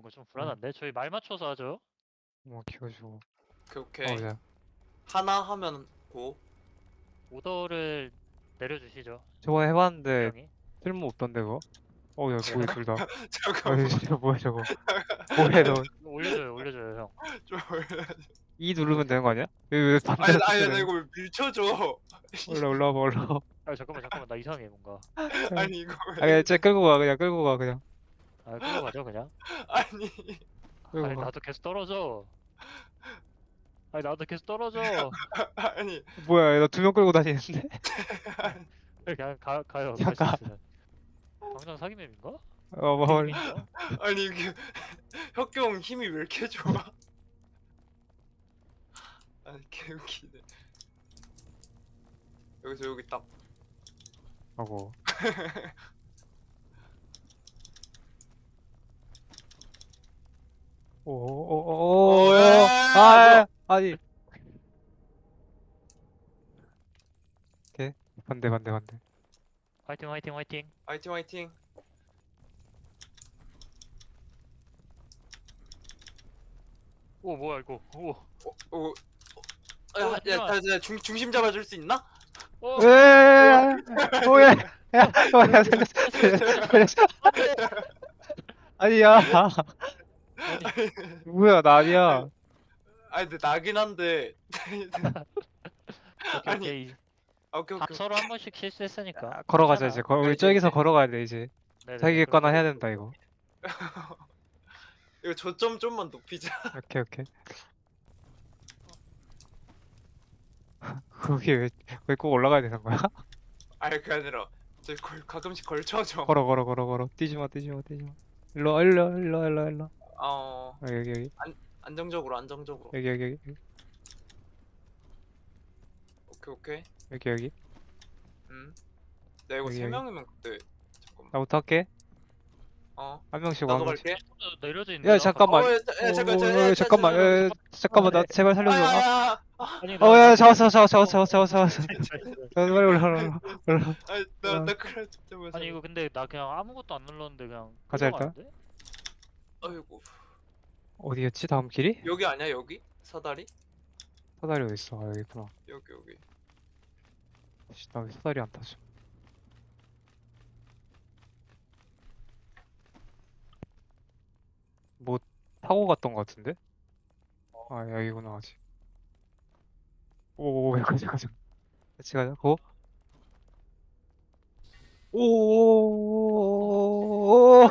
뭔가 좀 불안한데? 저희 말 맞춰서 하죠. 뭐 키워주고. 오케이 오케이. 자. 하나 하면 고. 오더를 내려주시죠. 저거 해봤는데 형이. 쓸모 없던데 그거? 야 뭐야 둘 다. 잠깐만. 진짜 뭐야 저거? 뭐해 너? 올려줘요, 형. 좀 E 누르면 되는 거 아니야? 왜 반대로 아니 나 쓰네? 이거 왜 밀쳐줘. 올라와봐 올라와. 아, 잠깐만, 나 이상해, 뭔가. 아니 이거 아 왜? 그냥 쟤 끌고 가 그냥 끌고 가 그냥. 아, 끌고 가죠, 그냥. 아니 끌고 아니, 가. 나도 계속 떨어져. 아니, 나도 계속 떨어져. 아니 뭐야 나 두 명 끌고 다니는데? 그냥 가요. 갈 수 잠깐. 있으면. 당장 사기맵인가? 뭐 아니 이게 혁경 힘이 왜 이렇게 좋아? 아니 개웃기네. 여기서 여기 딱. 하고. 오오오오. 아 아니. 오케이 반대. 화이팅. 화이팅 화이팅. 오, 뭐야, 이거. 오. 오. 잠깐만. 야, 중심 잡아줄 수 있나? 오. 에 뭐야? 야 살렸어. 아니야. 뭐야 나 아니야. 아니 근데 나긴 한데. 오케이, 아니. 오케이. 오케이 다 오케이. 서로 한 번씩 실수했으니까. 걸어가자 괜찮아. 이제. 우리 이제, 저기서 이제. 걸어가야 돼 이제. 네네, 자기겠거나 그럼 해야 된다 이거. 이거 저점 좀만 높이자. 오케이. 거기 왜 꼭 올라가야 되는 거야? 아니 그게 아니라 저 가끔씩 걸쳐줘. 걸어. 뛰지 마. 일로. 여기. 안정적으로. 여기. 오케이. 여기. 나 이거 여기, 세 여기. 명이면 그때 잠깐만. 나부터 할게. 한 명씩 나도 한 명씩. 갈게. 내려져 있는. 야 잠깐만. 야, 잠깐. 잠깐만 나 제발 살려줘. 아니 야 잡았어. 빨리 올라. 나 그래 진짜 왜. 아니 이거 근데 나 그냥 아무것도 안 눌렀는데 그냥 가자, 일단. 흘러가는데? 아이고. 어디였지 다음 길이? 여기 아니야 여기? 사다리? 사다리 어디 있어? 여기 있구나. 여기. 나 왜 사다리 안 타지? 뭐 타고 갔던 것 같은데? 아 여기구나 아직. 오 가자. 같이 가자. 고. 오.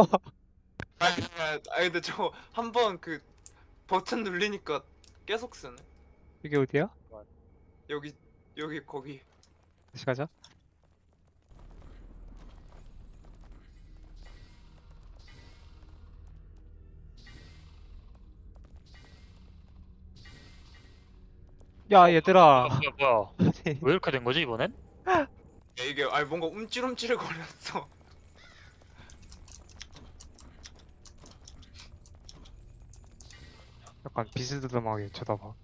아니 근데 저 한 번 그 버튼 눌리니까 계속 쓰네. 이게 어디야? 여기 거기. 다시 가자. 야 얘들아. 뭐야 왜 이렇게 된 거지 이번엔? 야, 이게 아니 뭔가 움찔움찔 거렸어. 약간 비스듬하게 쳐다봐.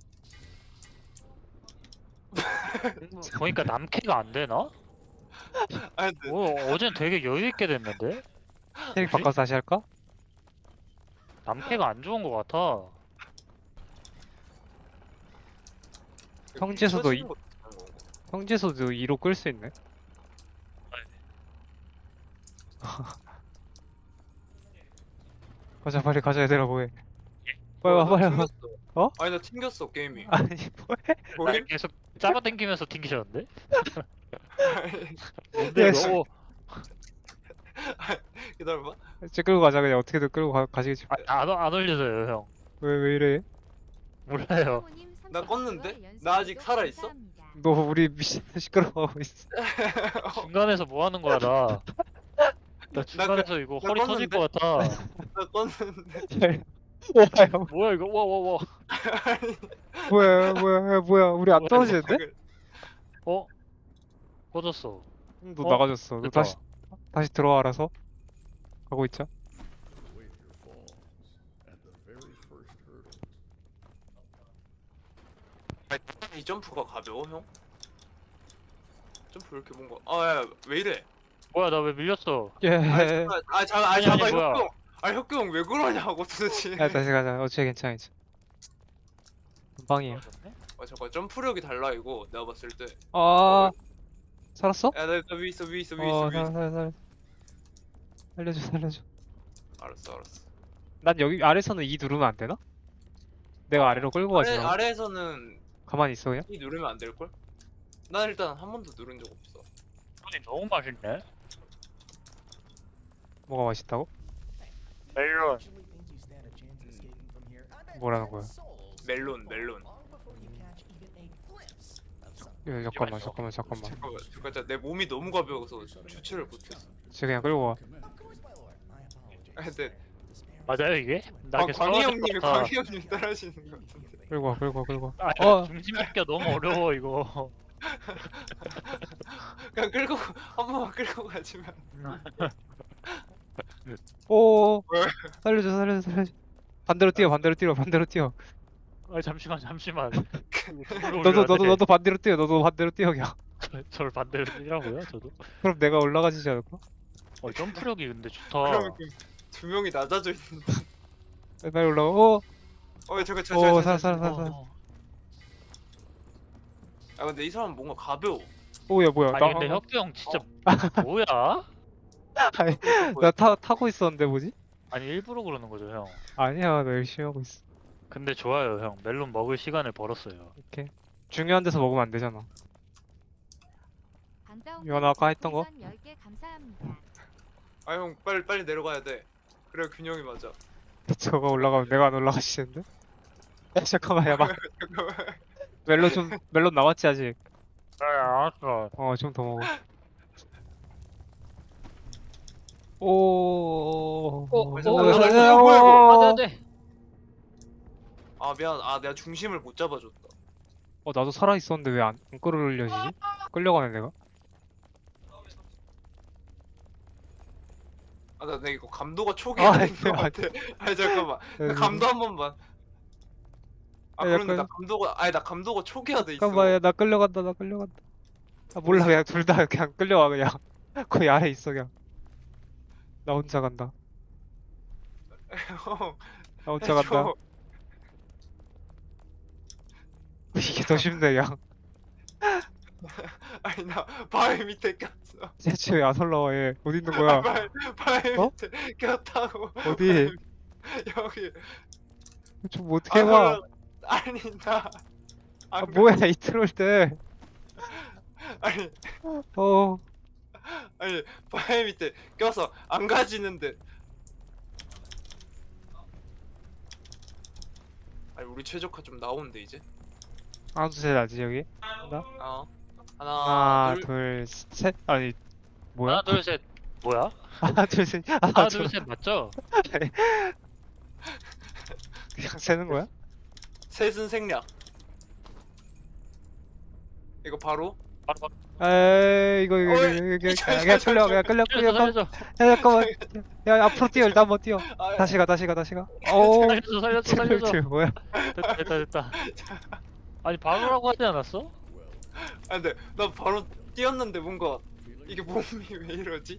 보니까 남캐가 안 되나? 아니 근데 어젠 되게 여유 있게 됐는데? 캐릭 뭐지? 바꿔서 다시 할까? 남캐가 안 좋은 거 같아. 성지에서도 쳐지는 것도 있는 거고. 성지에서도 2로 끌 수 있네. 가자 빨리 가자 얘들아 뭐해? 빨리 와. 튕겼어. 어? 아니 나 튕겼어 게임이. 아니 뭐해? 뭐해? 날 계속 잡아당기면서 튕기셨는데? 뭔데 야, 이거? 기다려봐. 쟤 끌고 가자 그냥 어떻게든 끌고 가시겠지. 안 올려줘요 형. 왜 이래? 몰라요. 나 껐는데? 나 아직 살아있어? 너 우리 미친 시끄러워하고 있어. 중간에서 뭐 하는 거야 나? 나 중간에서 이거 나 허리 터질 것 같아. 나 껐는데. 와요. 뭐야 이거? 와. 뭐야 우리 안 뭐야, 떨어지는데? 어? 꺼졌어. 너 어? 나가졌어. 너 됐다. 다시 들어와 알아서. 가고 있자. Wait your falls at the very first hurdle. 아니, 이 점프가 가벼워 형? 점프 왜 이렇게 뭔가 아 야 왜 이래? 뭐야 나 왜 밀렸어? 예. 잠깐 아니, 잠깐 뭐야. 형. 아 혁규 형 왜 그러냐고 도대체. 야 다시 가자. 어째 괜찮아. 금방이야. 잠깐 점프력이 달라 이거 내가 봤을 때. 아 살았어? 야나 위에 있어 위에 있어 위에 있어 어 위에 있어. 살려줘 살려줘. 알았어. 난 여기 아래서는 E 누르면 안 되나? 내가 아래로 끌고 가지. 아래에서는 가만히 있어 그냥. 이 누르면 안 될 걸? 난 일단 한 번도 누른 적 없어. 손이 너무 맛있네. 뭐가 맛있다고? 멜론. 뭐라는 거야? 멜론. 야, 잠깐만. 잠깐 내 몸이 너무 가벼워서 주체를 못했어. 쟤 그냥 끌고 와. 아, 근데 맞아요 이게? 나 이렇게 광희 떨어질 것 같아. 형님이 따라하시는 것 같은데. 끌고 와. 아, 어. 중심 잡기가 너무 어려워 이거. 그냥 끌고 한 번만 끌고 가지만. 오. 왜? 살려줘. 반대로 뛰어. 아 잠시만. 너도 반대로 뛰어 그냥. 저를 반대로 뛰라고요? 저도. 그럼 내가 올라가지지 않을까? 점프력이 근데 좋다. 그러면 두 명이 낮아져 있는. 빨리 올라가. 오. 잠깐. 살았어. 아 근데 이 사람 뭔가 가벼워. 오야 뭐야? 아니 근데 혁규 형 진짜 뭐야? 아니, 타고 있었는데 뭐지? 아니 일부러 그러는 거죠 형. 아니야 나 열심히 하고 있어. 근데 좋아요 형. 멜론 먹을 시간을 벌었어요. 이렇게 중요한 데서 먹으면 안 되잖아. 유한아 아까 했던 거? 10개 감사합니다. 아 형 빨리 내려가야 돼. 그래 균형이 맞아. 저거 올라가면 내가 안 올라가시는데? 야 잠깐만 야 막 잠깐만. 멜론 남았지 아직. 알았어. 좀 더 먹어. 오. 안돼. 아 미안. 아 내가 중심을 못 잡아줬다. 나도 살아 있었는데 왜 안 끌어올려지지? 끌려가네 내가. 나 이거 감도가 초기화 된것 네, 같아. 아니 잠깐만. 나 감도 한 번만. 아 야, 그런데 약간- 나 감도가 초기화 돼 있어. 잠깐만 야, 나 끌려간다. 아 몰라 그냥 둘 다 그냥 끌려와 그냥. 거기 아래 있어 그냥. 나 혼자 간다. 형, 나 혼자 간다. 해줘. 이게 더 쉽네 그냥. 아니 나 바위 밑에 꼈어. 대체 왜 안 올라와 얘. 어디 있는 거야? 바위 어? 밑에 꼈다고. 어디? 여기. 좀 어떻게 해봐. 아니 나. 아 뭐야 이 트롤 때. 아니 어. 아니 바위 밑에 껴서 안 가지는데. 아니 우리 최적화 좀 나오는데 이제. 하나 둘셋 나지 여기. 나? 하나 하나 둘셋 아니 뭐야? 하나 둘 셋. 뭐야? 하나 둘셋 하나 둘 셋 맞죠? 그냥 세는 거야? 셋은 생략. 이거 바로. 바로. 에이 이거 어이, 그냥 끌려 살려줘. 야 잠깐만 야 앞으로 뛰어 일단 한번 뛰어 아, 다시 가 오 살려줘. 뭐야 됐다. 아니 바로라고 하지 않았어? 아 근데 나 바로 뛰었는데 뭔가 이게 몸이 왜 이러지?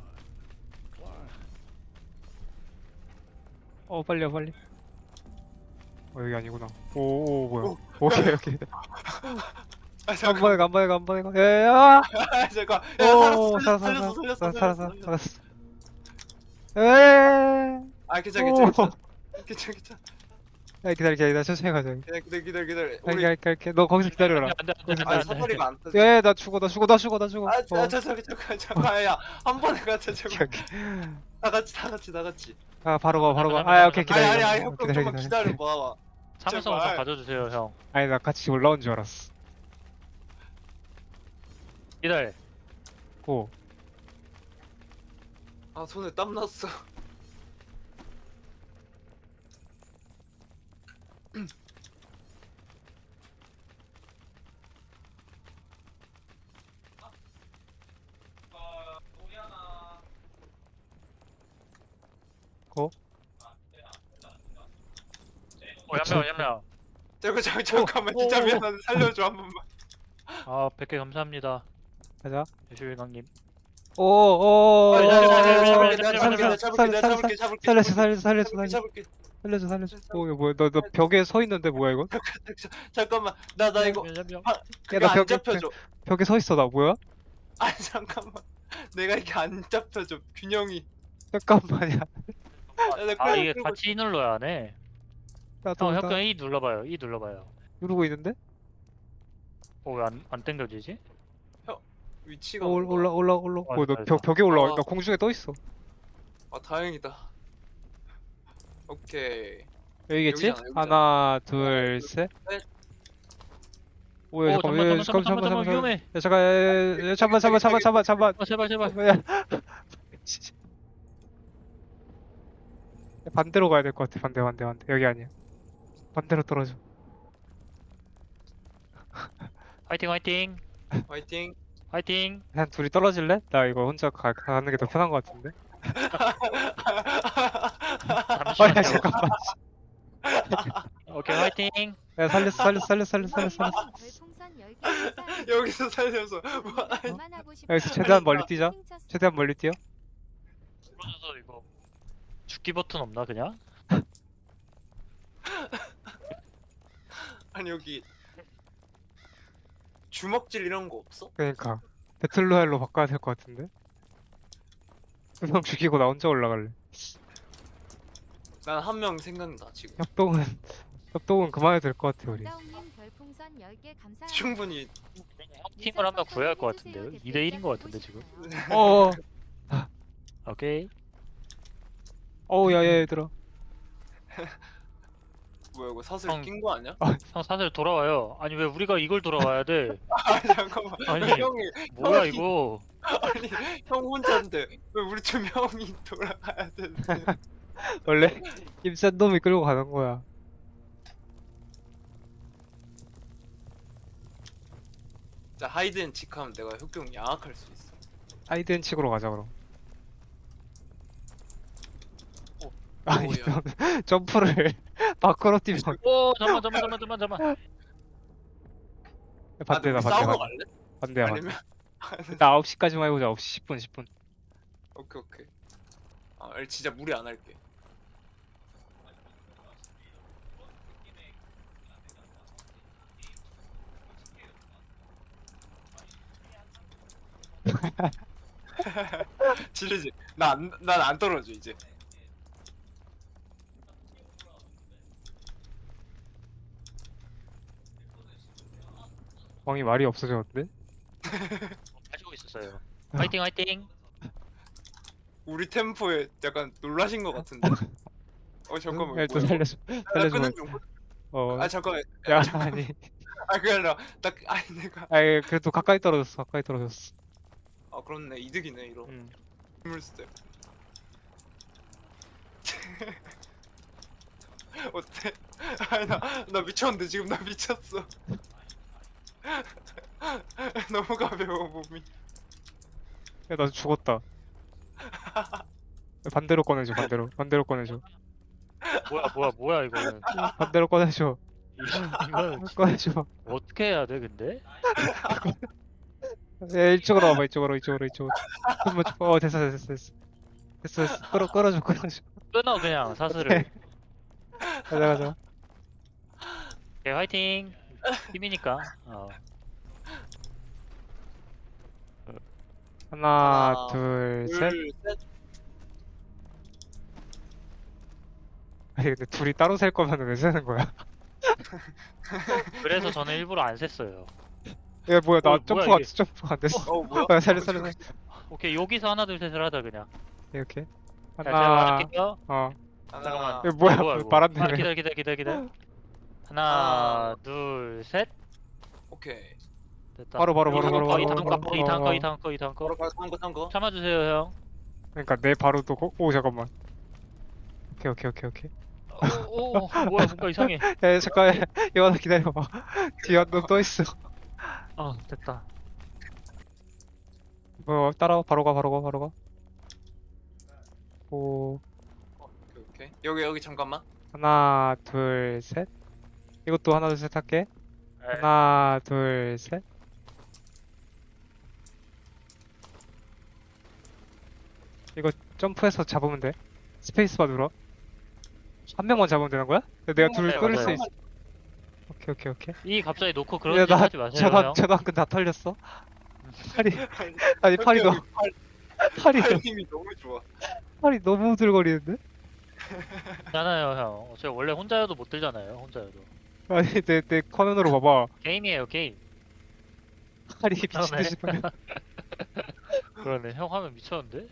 빨리 여기 아니구나 오 뭐야 오케이 아 한 번에 가 야야야 아 잠깐. 오 야 살았어 에이 아 괜찮아. 야 기다려 천천히 가자 기다려. 우리 갈게 너 거기서 기다려라 아 사거리가 안 터져. 야야 나 죽어 아 잠깐. 야한 번에 가자 제발. 다 같이. 바로 가 오케이 기다려 아니 형 좀만 기다려 봐. 참을성 좀 제발. 가져주세요 형. 아니 나 같이 올라온 줄 알았어 기다려. 오 아 손에 땀 났어. 얌얌. 잠깐만 진짜 미안한데 살려줘 한 번만. 100개 감사합니다. 가자 유시일강님. 오오오 잡을게. 살려줘. 오, 이거 뭐야? 너 벽에 서 있는데 뭐야 이거? 잠깐만, 나 이거 그게 나 안 잡혀져. 벽에 서 있어 나 뭐야? 아니 잠깐만, 내가 이게 안 잡혀져 균형이. 잠깐만이야. 아 이게 같이 E 눌러야 하네. 나도 형 나 혁경 E 눌러봐요. E 눌러봐요. 누르고 있는데? 왜 안 당겨지지? 위치가 올라. 아, 너 됐다. 벽에 올라와. 어. 나 공중에 떠 있어. 아 다행이다. 오케이. 여기겠지? 여기잖아, 여기잖아. 하나, 둘, 셋. 셋. 오, 야, 잠깐만 위험해. 야, 잠깐만. 제발. 야, 반대로 가야 될 것 같아. 반대. 여기 아니야. 반대로 떨어져. 화이팅. 화이팅. 그냥 둘이 떨어질래? 나 이거 혼자 가는 게 더 편한 것 같은데. 야, 잠깐만. 오케이 화이팅. 야, 살렸어. 별풍선 10개 감사합니다. 여기서 살려서. 그만하고 싶어요. 여기서 최대한 멀리 뛰자. 핑쳤어. 최대한 멀리 뛰어. 부러져서 이거 죽기 버튼 없나 그냥? 아니 여기 주먹질 이런 거 없어? 그러니까 배틀로얄로 바꿔야 될 것 같은데. 두 명 죽이고 나 혼자 올라갈래. 난 한 명 생각나 지금. 협동은 그만해도 될 것 같아 우리. 다운님 별풍선 10개 감사합니다. 충분히. 팀을 한 명 구해야 할 것 같은데요. 2대 1인 것 같은데 지금. 어. 오케이. 야, 얘들아. 뭐야 이거 사슬 형. 낀 거 아니야? 형 사슬 돌아와요. 아니 왜 우리가 이걸 돌아와야 돼? 아 잠깐만. 아니, 형이 뭐야 형이- 이거? 아니 형 혼자인데 왜 우리 두 명이 돌아가야 되는데? 원래 힘센 놈이 끌고 가는 거야. 자 하이드앤 직하면 내가 혁경 양악할 수 있어. 하이드앤 칙으로 가자 그럼. 오. 아니 오야. 넌 점프를 밖으로 뛰면 오 잠만. 반대다 싸우러 반대. 갈래? 반대야. 아니면 나 9시까지만 해보자. 9시 10분. 오케이. 아 진짜 무리 안 할게. 지르지. 난 안 떨어져 이제. 왕이 말이 없어졌는데? 가지고 있었어요. 화이팅. 우리 템포에 약간 놀라신 것 같은데. 잠깐만. 야, 또 뭐야, 살려줘. 이거? 나 살려줘. 끄는 중. 아 잠깐만. 야, 아니. 그게 아니라 아니 내가 그래도 가까이 떨어졌어. 그렇네 이득이네 이런 응. 힘을 스텝. 어때? 아니 나 미쳤는데 지금 나 미쳤어. 너무 가벼워 몸이. 야, 나 죽었다. 반대로 꺼내줘. 반대로 꺼내줘. 뭐야 이거는. 반대로 꺼내줘. 이거 꺼내줘. 어떻게 해야 돼 근데? 야, 이쪽으로 와봐. 이쪽으로. 한번 됐어. 끌어줘. 끊어 그냥 사슬을. 가자. 오케이 화이팅. 팀이니까. 하나, 둘, 셋. 셋. 아니, 근데 둘이 따로 셀 거면 왜 세는 거야? 그래서 저는 일부러 안 셌어요. 야, 뭐야, 나 뭐야, 점프가 이게. 안 됐어. 뭐야? 야, 살려. 오케이 여기서 하나 둘 셋을 하자 그냥. 이렇게. 자, 제가 하나, 할게요. 하나. 이거 뭐야, 이거. 바람 아, 때문에. 기다려. 하나, 둘, 셋. 오케이. 됐다. 바로. 이 다음 거. 바로 가서 한 거. 참아주세요 형. 그러니까 내 바로 또, 잠깐만. 오케이. 오, 뭐야 뭔가 이상해. 야, 잠깐, 이거 기다려봐. 뒤에 한 놈 또 있어. 됐다. 따라와, 바로 가. 오, 오케이. 여기 잠깐만. 하나, 둘, 셋. 이것도 하나, 둘, 셋 할게. 네. 하나, 둘, 셋. 이거 점프해서 잡으면 돼. 스페이스바 눌러. 한 명만 잡으면 되는 거야? 내가 둘 네, 끌릴 수 맞아요. 있어. 오케이 오케이 오케이. 이 갑자기 놓고 야, 그런 짓 나 하지 마세요 형. 전화근 다 털렸어. 팔이 아니 팔이 너무 팔 힘이 너무 좋아. 팔이 너무 우들거리는데? 괜찮아요 형. 제가 원래 혼자여도 못 들잖아요 혼자여도. 아니 내 화면으로 봐봐. 게임이에요 게임. 팔이 미친 듯이 팔. 그러네 형 화면 미쳤는데?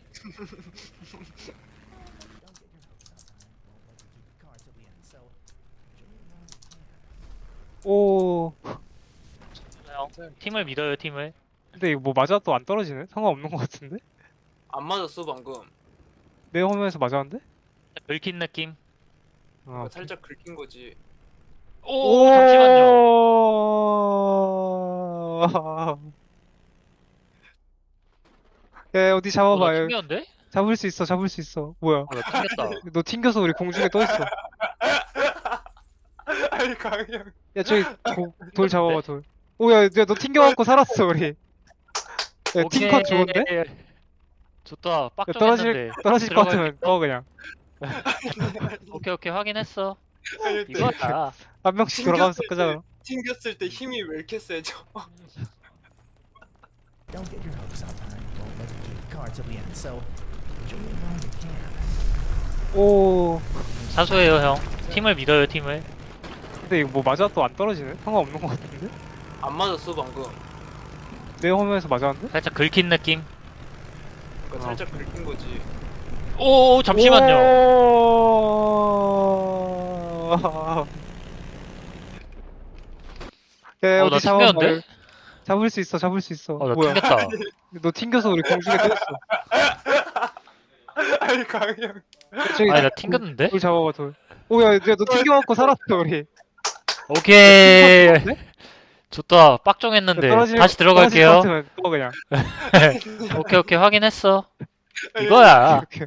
오. 형 팀을 믿어요 팀을. 근데 이거 뭐 맞아도 안 떨어지네? 상관없는 것 같은데? 안 맞았어 방금. 내 화면에서 맞았는데? 긁힌 느낌. 아, 살짝 긁힌 거지. 오 잠시만요. 야 어디 나 잡아봐. 여기. 튕겼는데? 잡을 수 있어 잡을 수 있어. 뭐야? 나 튕겼다. 너 튕겨서 우리 공중에 떠 있어. 아니 강형. 야 저기 돌 잡아봐 돌. 오야 너 튕겨갖고 살았어 우리. 야 팀컷 좋은데? 좋다. 야, 빡정했는데. 떨어질 것 같으면 떠 그냥. 오케이 오케이 확인했어. 아니, 근데 이거다. 한 명씩 돌아가면서 끄자. 튕겼을 때 힘이 왜 이렇게 세져? Don't get your hopes up. I won't let you keep cards till the end, so enjoy it while you can. 오. 사소해요 형. 팀을 믿어요 팀을. 근데 이거 뭐 맞아도 안 떨어지네? 상관없는 것 같은데? 안 맞았어 방금. 내 화면에서 맞았는데? 살짝 긁힌 느낌. 그러니까 살짝 긁힌 거지. 오 잠시만요. 오~ 야, 나 어디 잡아봐. 튕겼는데? 잡을 수 있어, 잡을 수 있어. 나 뭐야? 튕겼다. 너 튕겨서 우리 공중에 떠 있어. 아니 강형. 저기 아니 나 튕겼는데? 돌 잡아봐, 돌. 오야, 너 튕겨갖고 살았어, 우리. 오케이. 좋다. 빡정했는데. 떨어질- 다시 떨어질 들어갈게요. 것 같으면 떠 그냥. 오케이 오케이 확인했어. 아니, 이거야. 오케이.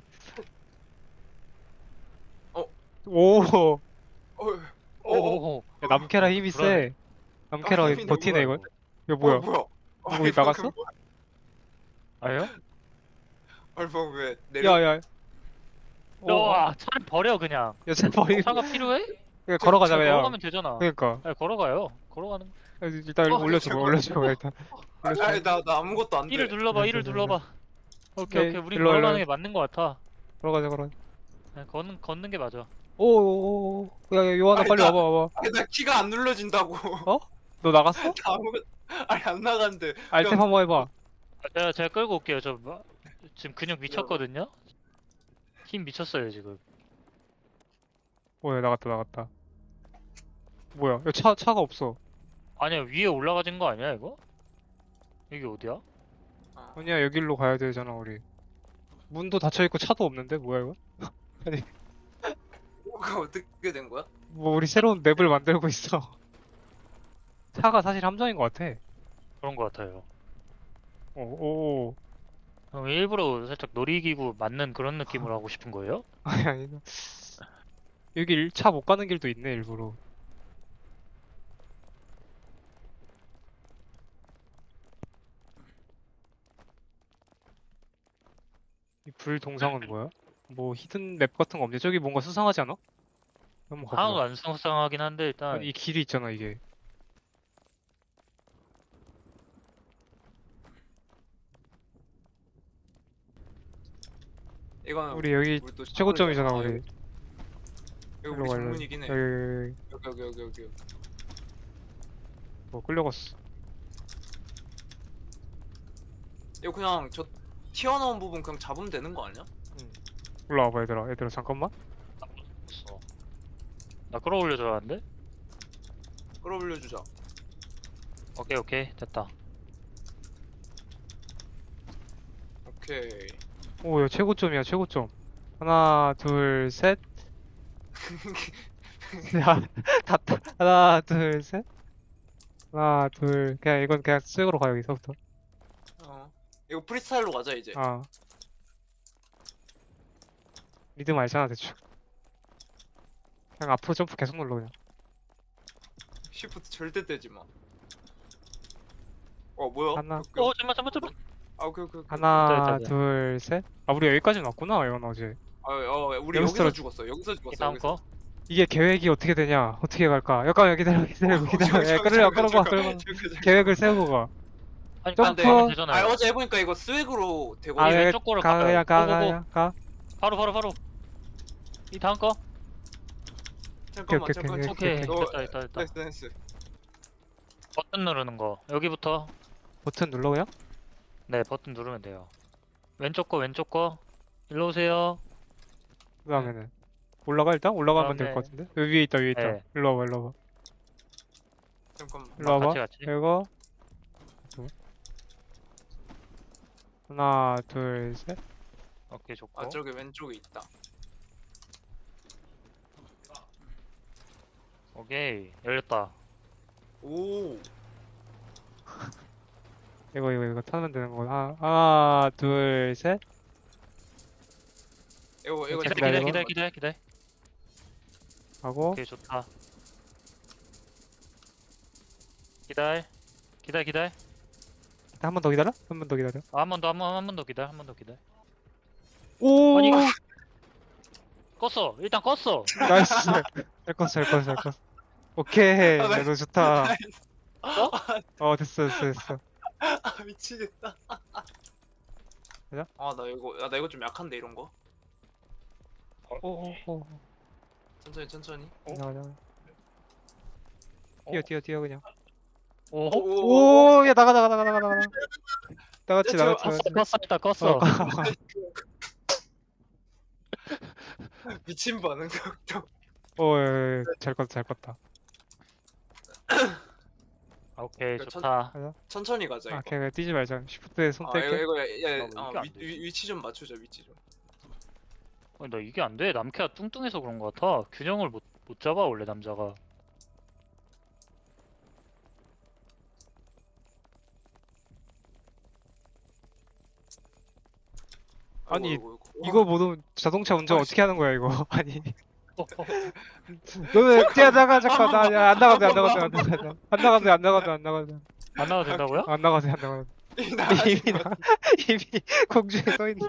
어? 오. 어, 오오오. 야, 남캐라 힘이 그러네. 세. 남캐라 힘이 버티네, 너무 이거. 이거 뭐야? 뭐야? 거기 나갔어? 아요? 얼마 왜 내려? 야, 야. 와 차를 버려 그냥. 야, 쟤 버리. 차가 필요해? 그냥 걸어가자, 그냥. 걸어가면 되잖아. 그러니까. 아니, 걸어가요. 걸어가는. 일단 어, 올려줘, 잠깐만. 올려줘, 일단. 올려줘. 아니 나 아무것도 안 돼. 이를 눌러봐. 이를 눌러봐. 오케이 네, 오케이. 우리 일로 와, 걸어가는 일로 게 맞는 거 같아. 걸어가자, 걸어가자. 그냥 걷는 게 맞아. 오오오. 야, 요한아, 아니, 빨리 나- 와봐, 와봐. 아니 나 키가 안 눌러진다고. 너 나갔어? 나 아무것도 아니 안 나간대. 알탭 한번 해봐. 제가 끌고 올게요. 지금 근육 미쳤거든요. 힘 미쳤어요 지금. 뭐야, 나갔다, 나갔다. 뭐야, 야, 차가 없어. 아니야 위에 올라가진 거 아니야 이거? 여기 어디야? 아니야, 여길로 가야 되잖아, 우리. 문도 닫혀있고 차도 없는데? 뭐야, 이거? 뭐가 어떻게 된 거야? 뭐, 우리 새로운 맵을 만들고 있어. 차가 사실 함정인 것 같아. 그런 거 같아요. 오. 형 일부러 살짝 놀이기구 맞는 그런 느낌으로 하고 싶은 거예요? 아니, 아니. 여기 차 못 가는 길도 있네, 일부러. 이 불 동상은 뭐야? 뭐 히든 맵 같은 거 없냐? 저기 뭔가 수상하지 않아? 한번 하나도 가보자. 안 상상하긴 한데 일단 아니, 이 길이 있잖아, 이게. 이거는 우리 여기 우리 또 최고점이잖아, 아, 우리. 이거 일로 우리 와, 일로. 정문이긴 해. 여기. 뭐 끌려갔어. 이거 그냥 저 튀어나온 부분 그냥 잡으면 되는 거 아니야? 올라와봐, 얘들아, 잠깐만. 없어. 나 끌어올려줘야 하는데? 끌어올려주자. 오케이 됐다. 오케이. 오, 야, 최고점이야, 최고점. 하나, 둘, 셋. 야, 다. 하나, 둘, 셋. 하나, 둘. 그냥 이건 그냥 쓱으로 가, 여기서부터. 이거 프리스타일로 가자 이제. 아. 리듬 알잖아, 대충. 그냥 앞으로 점프 계속 눌러, 그냥. 시프트 절대 떼지 마. 뭐야? 하나. 잠깐만. 아 오케이 오케이 오케이. 하나, 있다. 둘, 셋. 아, 우리 여기까지 왔구나, 이건 어제. 우리 여기서 여기서 죽었어. 여기서 이 죽었어. 다음 여기서. 거. 이게 계획이 어떻게 되냐? 어떻게 갈까? 잠깐만, 기다려. 예, 끌어가. 계획을 세우고 가. 아니 점프. 가면 되잖아요. 어제 해보니까 이거 스웩으로 되고. 이 예, 왼쪽 거를 가, 가봐요. 그냥 가. 바로. 이 다음 거. 잠깐만 오케이, 잠깐만. 오케이. 너- 됐다. 나이스 나이스. 버튼 누르는 거. 여기부터. 버튼 눌러요? 네, 버튼 누르면 돼요. 왼쪽 거. 일로 오세요. 그 다음에는 올라가 일단? 올라가면 될 그다음에- 것 같은데? 여기 위에 있다. 네. 일로 와봐. 잠깐만. 일로 와봐. 같이. 이거 하나, 둘, 셋. 오케이, 좋고. 아 저기 왼쪽에 있다. 오케이, 열렸다. 오. 이거 타면 되는 거. 하나, 둘, 셋. 이거 기다려. 하고 오케이, 좋다. 기다려. 한 번 더 기다려? 한 번 더 기다려. 한 번 더 기다려. 오! 아니, 이거- 껐어. 일단 껐어. 나이스. 잘 껐어. 오케이. 아, 야, 너 좋다. 어? 됐어. 아 미치겠다. 가자. 나 이거 좀 약한데 이런 거. 오. 천천히. 가자. 어? 뛰어 그냥. 오, 오, 야 나가. 나갔지. 일단 껐어. 미친 반응 속도. 잘 껐다. 오케이, 그 좋다. 천천히 가자. 이거. 그냥 뛰지 말자. 쉬프트에 손 아 뗄게. 이거 나 이게 안 되지? 위치 좀 맞추자 위치 좀. 아니, 나 이게 안 돼. 남캐가 뚱뚱해서 그런 거 같아. 균형을 못 잡아, 원래 남자가. 아니, 아이고. 이거 모두 자동차 운전 어떻게 하는 거야 이거? 아니, 어, 너는 뛰어나가 잠깐 안 나가도. 안 나가도 된다고요? 안 나가도. 이미 공중에 떠 있는.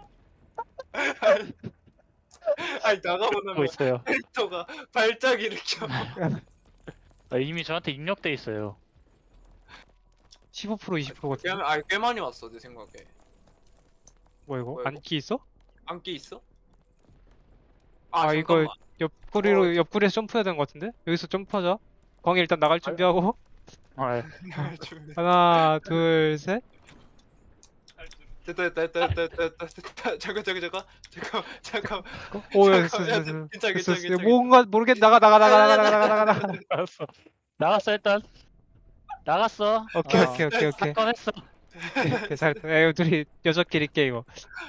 아니 나가보면 하고 있어요. 캐릭터가 발작 일으켜. 이미 저한테 입력돼 있어요. 15% 20% 같은. 꽤 많이 왔어 내 생각에. 뭐 이거? 뭐야, 안기 있어? 안기 있어? 이거 잠깐만. 옆구리에서 점프해야 되는 것 같은데? 여기서 점프하자. 광희 일단 나갈 준비하고. 아, 예. 하나, 둘, 셋. 됐다. 잠깐. 오, 야, 됐어. 괜찮아. 뭔가 모르겠. 나가. 알았어. 나갔어, 일단. 나갔어. 오케이. 사건 했어. 잘했다. 야, 이거 둘이 여자끼리 깨 이거.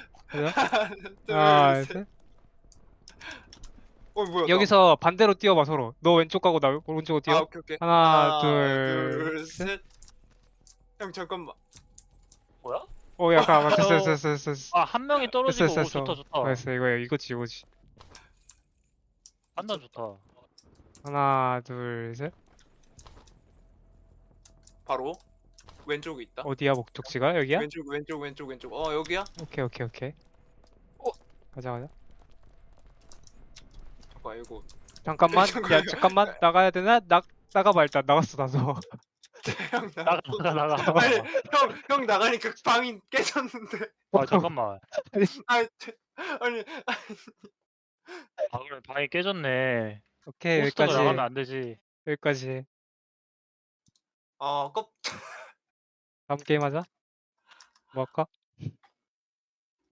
하나, 셋. 뭐야? 여기서 반대로 뛰어봐 서로. 너 왼쪽 가고 나 오른쪽으로 뛰어. 오케이. 하나, 둘, 셋. 형 잠깐만. 뭐야? 약간 됐어. 한 명이 떨어지고, 오, 좋다. 됐어. 이거지. 판단 좋다. 하나, 둘, 셋. 바로 왼쪽에 있다. 어디야 목적지가? 여기야? 왼쪽. 여기야? 오케이. 가자. 잠깐 이거. 잠깐만 나가야 되나? 나가봐 일단. 나갔어 나서. 형 나가. 아니 형 나가니까 방이 깨졌는데. 잠깐만. 아니 그럼 방이 깨졌네. 오케이 포스터가 나가면 여기까지. 안 되지. 여기까지. 껍 다음 게임 하자. 뭐 할까?